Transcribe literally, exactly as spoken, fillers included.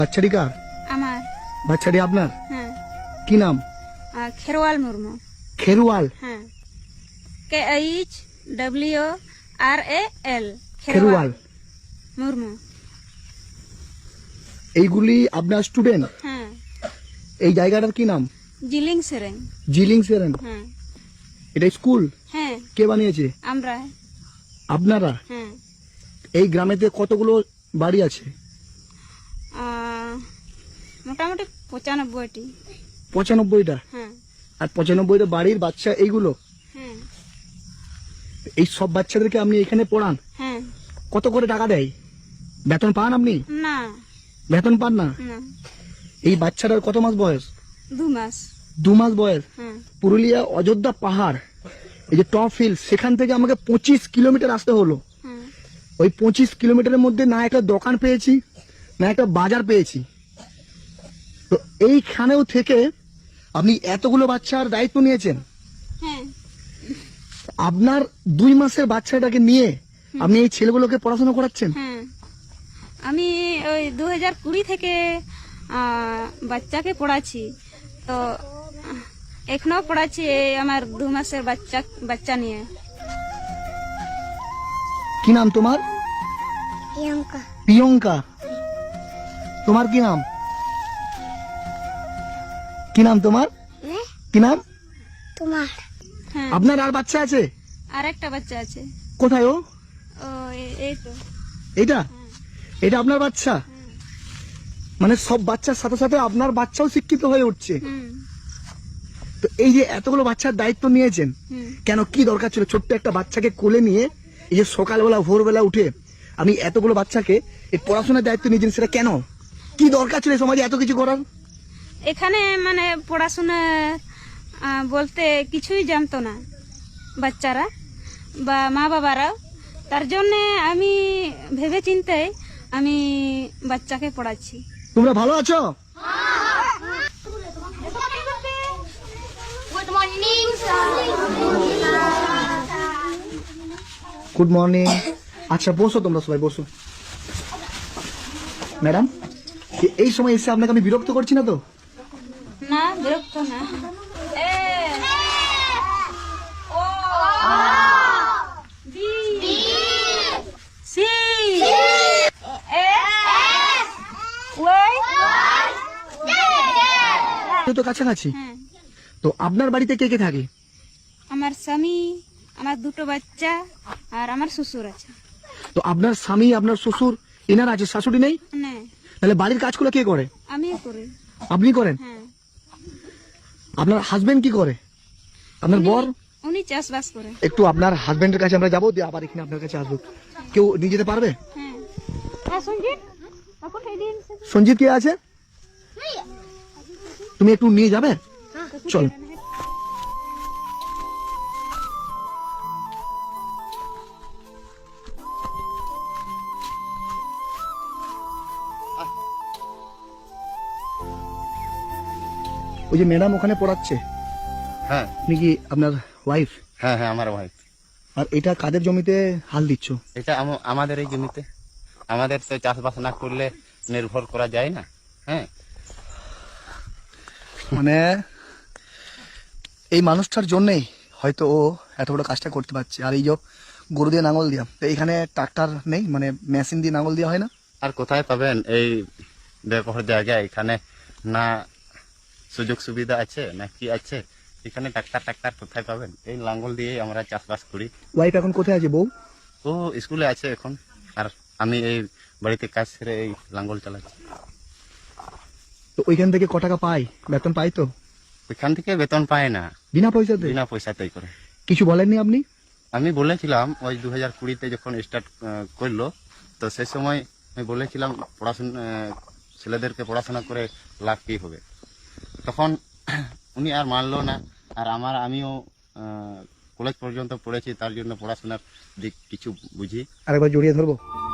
বাচ্চাটি কার? আমার। বাচ্চাটি আপনার? হ্যাঁ। কি নাম? খেরওয়াল মুর্মু। খেরওয়াল? হ্যাঁ, K H W R A L, Kherwal Murmu. এইগুলি আপনার স্টুডেন্ট? হ্যাঁ। এই জায়গাটার কি নাম? জিলিং সেরেং। জিলিং সেরেন? হ্যাঁ। এটা স্কুল? হ্যাঁ। কে বানিয়েছে? আমরা। আপনারা? হ্যাঁ। এই গ্রামেতে কতগুলো বাড়ি আছে? আহ, মোটামুটি পঁচানব্বইটি। পঁচানব্বইটা? হ্যাঁ। আর পঁচানব্বইটা বাড়ির বাচ্চা এইগুলো? হ্যাঁ। এই সব বাচ্চাদেরকে আপনি এখানে পড়ান? হ্যাঁ। কত করে টাকা দেয়? বেতন পান আপনি? না। বেতন পান না? না। এই বাচ্চাটার কত মাস বয়স? দু মাস। দু মাস বয়স? হ্যাঁ। পুরুলিয়া অযোধ্যা পাহাড়, এই যে টপ হিল, সেখান থেকে আমাকে পঁচিশ কিলোমিটার আসতে হলো। হ্যাঁ। ওই পঁচিশ কিলোমিটারের মধ্যে না একটা দোকান পেয়েছি, না একটা বাজার পেয়েছি। তো এইখানেও থেকে আপনি এতগুলো বাচ্চার দায়িত্ব নিয়েছেন। হ্যাঁ। আপনার দুই মাসের বাচ্চাটাকে নিয়ে আপনি এই ছেলেগুলোকে পড়াশোনা করাচ্ছেন? হ্যাঁ, আমি ওই দু হাজার কুড়ি থেকে আহ, বাচ্চাকে পড়াচ্ছি। তো আহ, এখনো পড়াচ্ছি এই আমার দু মাসের বাচ্চা বাচ্চা নিয়ে। কি নাম তোমার? প্রিয়ঙ্কা। প্রিয়ঙ্কা। তোমার কি নাম? কি নাম তোমার? কি নাম তোমার? হ্যাঁ। আপনার আর বাচ্চা আছে? আর একটা বাচ্চা আছে। কোথায় ও? ও এ- এই তো। এটা? এটা আপনার বাচ্চা? মানে সব বাচ্চার সাথে সাথে আপনার বাচ্চাও শিক্ষিত হয়ে উঠছে। হুম। তো এই যে এতগুলো বাচ্চার দায়িত্ব নিয়েছেন, হুম। কেন, কি দরকার ছিল ছোট্ট একটা বাচ্চাকে কোলে নিয়ে এই যে সকালবেলা ভোরবেলা উঠে আমি এতগুলো বাচ্চাকে এই পড়াশোনার দায়িত্ব নিয়েছেন, সেটা কেন? কি দরকার ছিল সমাজে এত কিছু করার? এখানে মানে পড়াশোনা আহ, বলতে কিছুই জানতো না বাচ্চারা বা মা বাবারাও। তার জন্য আমি ভেবে চিন্তে আমি বাচ্চাকে পড়াচ্ছি। তোমরা ভালো আছো? Good morning. Good morning. আচ্ছা বসো, তোমরা সবাই বসো। ম্যাডাম, এই সময় এসে আপনাকে আমি বিরক্ত করছি না তো? না, বিরক্ত না। A O B C A Y. তো কাছাকাছি। হ্যাঁ। তো আপনার বাড়িতে কে কে থাকে? আমার স্বামী, আমার দুটো বাচ্চা আর আমার শ্বশুর আছে। তো আপনার স্বামী, আপনার শ্বশুর, এনার আছে, শাশুড়ি নেই? না, তাহলে বাড়ির কাজগুলো কে করে? আমি করি। আপনি করেন? হ্যাঁ। আপনার হাজবেন্ড কি করে? আপনার বর? উনি চাষবাস করে। একটু আপনার হাজবেন্ডের কাছে আমরা যাবো, দিয়ে আবার এখানে আপনার কাছে আসবো। কেউ নিয়ে যেতে পারবে? হ্যাঁ। হ্যাঁ, সঞ্জিত এখন এই দিন সঞ্জিত কে আছে? তুমি একটু নিয়ে যাবে? চল। ওই যে ম্যাডাম ওখানে পড়াচ্ছে, হ্যাঁ আপনি কি আপনার ওয়াইফ? হ্যাঁ হ্যাঁ আমার ওয়াইফ। আর এটা কাদের জমিতে হাল দিচ্ছ? এটা আম- আমাদের এই জমিতে। আমাদের তো চাষবাস না করলে নির্ভর করা যায় না। হ্যাঁ, মানে এই মানুষটার জন্যই হয়তো ও এত বড় কাজটা করতে পারছে। আর এই যে গরু দিয়ে নাঙল দিয়া, তো এখানে ট্রাক্টর নেই, মানে মেশিন দিয়ে নাঙল দেওয়া হয় না? আর কোথায় পাবেন এই ব্যবহার জায়গায়? এখানে না সুযোগ সুবিধা আছে না কি আছে? এখানে ট্রাক্তার ট্রাক্তার কোথায় পাবেন? এই লাঙ্গল দিয়ে আমরা চাষবাস করি। ওয়াইফ এখন কোথায় আছে? বউ? ও স্কুলে আছে এখন, আর আমি এই বাড়িতে কাজ সেরে এই লাঙ্গল চালাচ্ছি। তো ওইখান থেকে ক টাকা পাই? বেতন পাই তো? ওইখান থেকে বেতন পায় না, বিনা পয়সাতে? বিনা পয়সাতেই করে। কিছু বলেননি আপনি? আমি বলেছিলাম ওই দু হাজার কুড়িতে যখন স্টার্ট করলো, তো সেই সময় আমি বলেছিলাম পড়াশোনা ছেলেদেরকে পড়াশোনা করে লাভ কি হবে। তখন উনি আর মানলো না। আর আমার আমিও কলেজ পর্যন্ত পড়েছি, তার জন্য পড়াশোনার দিক কিছু বুঝি। আরেকবার জড়িয়ে ধরবো?